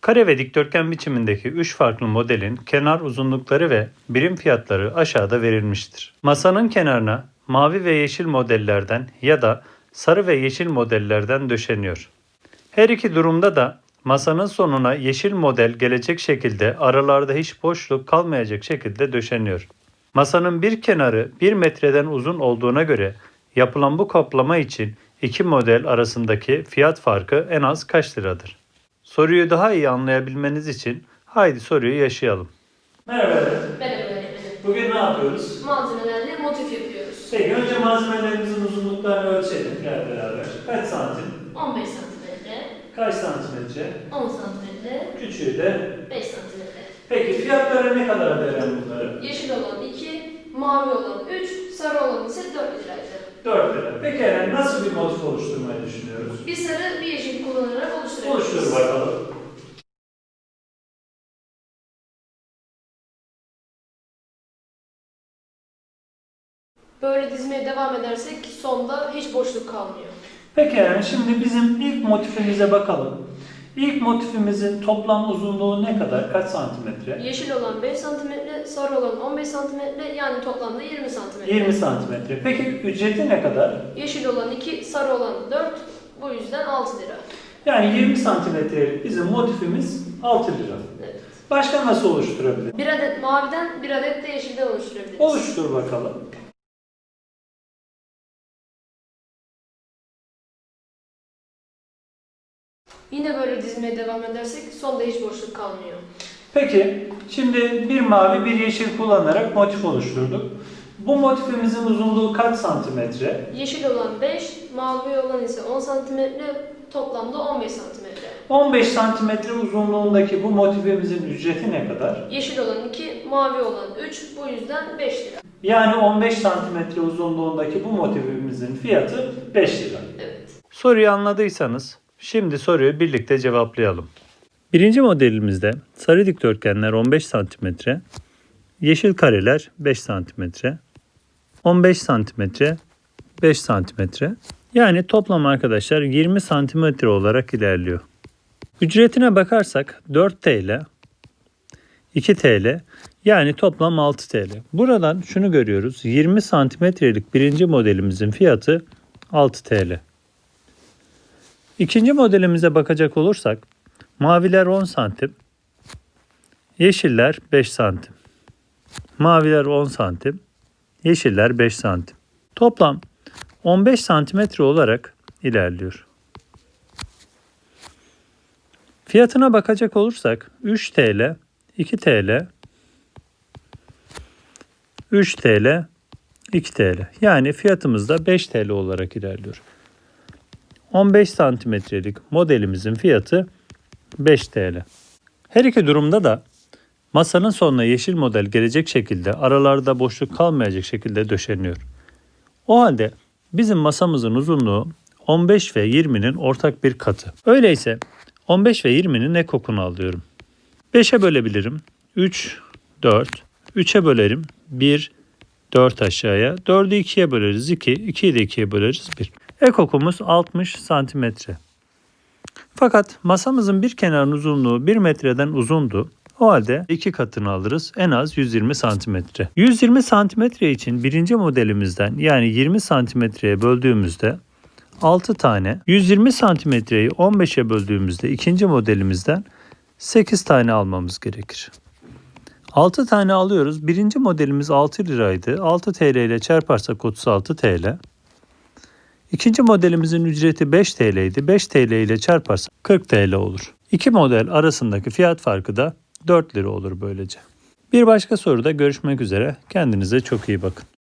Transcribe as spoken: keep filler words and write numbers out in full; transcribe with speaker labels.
Speaker 1: Kare ve dikdörtgen biçimindeki üç farklı modelin kenar uzunlukları ve birim fiyatları aşağıda verilmiştir. Masanın kenarına mavi ve yeşil modellerden ya da sarı ve yeşil modellerden döşeniyor. Her iki durumda da masanın sonuna yeşil model gelecek şekilde aralarda hiç boşluk kalmayacak şekilde döşeniyor. Masanın bir kenarı bir metreden uzun olduğuna göre yapılan bu kaplama için iki model arasındaki fiyat farkı en az kaç liradır? Soruyu daha iyi anlayabilmeniz için haydi soruyu yaşayalım. Merhaba öğretmenim.
Speaker 2: Merhaba öğretmenim.
Speaker 1: Bugün ne yapıyoruz?
Speaker 2: Malzemelerle motif yapıyoruz.
Speaker 1: Peki önce malzemelerimizin uzunluklarını ölçelim gel beraber. Kaç santim?
Speaker 2: on beş santimetre,
Speaker 1: Kaç santimetre?
Speaker 2: on santimetre,
Speaker 1: Küçüğü de?
Speaker 2: beş santimetre.
Speaker 1: Peki fiyatları ne kadar veren bunları?
Speaker 2: Yeşil olan iki, mavi olan üç, sarı olan ise dört liraydı.
Speaker 1: dört lira. Peki yani nasıl bir motif oluşturmayı düşünüyoruz?
Speaker 2: Bir sarı, bir yeşil kullanarak oluşturabiliriz.
Speaker 1: Oluştur bakalım.
Speaker 2: Böyle dizmeye devam edersek sonda hiç boşluk kalmıyor.
Speaker 1: Peki yani şimdi bizim ilk motifimize bakalım. İlk motifimizin toplam uzunluğu ne kadar? Kaç santimetre?
Speaker 2: Yeşil olan beş santimetre, sarı olan on beş santimetre, yani toplamda yirmi santimetre.
Speaker 1: yirmi santimetre. Peki ücreti ne kadar?
Speaker 2: Yeşil olan iki, sarı olan dört, bu yüzden altı lira.
Speaker 1: Yani yirmi santimetrelik bizim motifimiz altı lira.
Speaker 2: Evet.
Speaker 1: Başka nasıl oluşturabiliriz?
Speaker 2: Bir adet maviden, bir adet de yeşilden oluşturabiliriz.
Speaker 1: Oluştur bakalım.
Speaker 2: Yine böyle dizmeye devam edersek sonda hiç boşluk kalmıyor.
Speaker 1: Peki şimdi bir mavi bir yeşil kullanarak motif oluşturduk. Bu motifimizin uzunluğu kaç santimetre?
Speaker 2: Yeşil olan beş, mavi olan ise on santimetre, toplamda on beş santimetre.
Speaker 1: on beş santimetre uzunluğundaki bu motifimizin ücreti ne kadar?
Speaker 2: Yeşil olan iki, mavi olan üç, bu yüzden beş lira.
Speaker 1: Yani on beş santimetre uzunluğundaki bu motifimizin fiyatı beş lira.
Speaker 2: Evet.
Speaker 1: Soruyu anladıysanız şimdi soruyu birlikte cevaplayalım. Birinci modelimizde sarı dikdörtgenler on beş santimetre, yeşil kareler beş santimetre, on beş santimetre, beş santimetre. Yani toplam arkadaşlar yirmi santimetre olarak ilerliyor. Ücretine bakarsak dört TL, iki TL, yani toplam altı TL. Buradan şunu görüyoruz. yirmi santimetrelik birinci modelimizin fiyatı altı TL. İkinci modelimize bakacak olursak maviler on santim, yeşiller beş santim. Maviler on santim, yeşiller beş santim. Toplam on beş santimetre olarak ilerliyor. Fiyatına bakacak olursak üç TL, iki TL, üç TL, iki TL. Yani fiyatımız da beş TL olarak ilerliyor. on beş santimetrelik modelimizin fiyatı beş TL. Her iki durumda da masanın sonuna yeşil model gelecek şekilde aralarda boşluk kalmayacak şekilde döşeniyor. O halde bizim masamızın uzunluğu on beş ve yirminin ortak bir katı. Öyleyse on beş ve yirminin ekokunu alıyorum. beşe bölebilirim. üç, dört. üçe bölerim. bir, dört aşağıya. dördü ikiye böleriz. iki. ikiyi de ikiye böleriz. bir. Ekokumuz altmış santimetre. Fakat masamızın bir kenarının uzunluğu bir metreden uzundu. O halde iki katını alırız. En az yüz yirmi santimetre. yüz yirmi santimetre için birinci modelimizden yani yirmi santimetreye böldüğümüzde altı tane, yüz yirmi santimetreyi on beşe böldüğümüzde ikinci modelimizden sekiz tane almamız gerekir. altı tane alıyoruz. Birinci modelimiz altı liraydı. altı TL ile çarparsak otuz altı TL. İkinci modelimizin ücreti beş TL'ydi. beş TL ile çarparsak kırk TL olur. İki model arasındaki fiyat farkı da dört lira olur böylece. Bir başka soruda görüşmek üzere. Kendinize çok iyi bakın.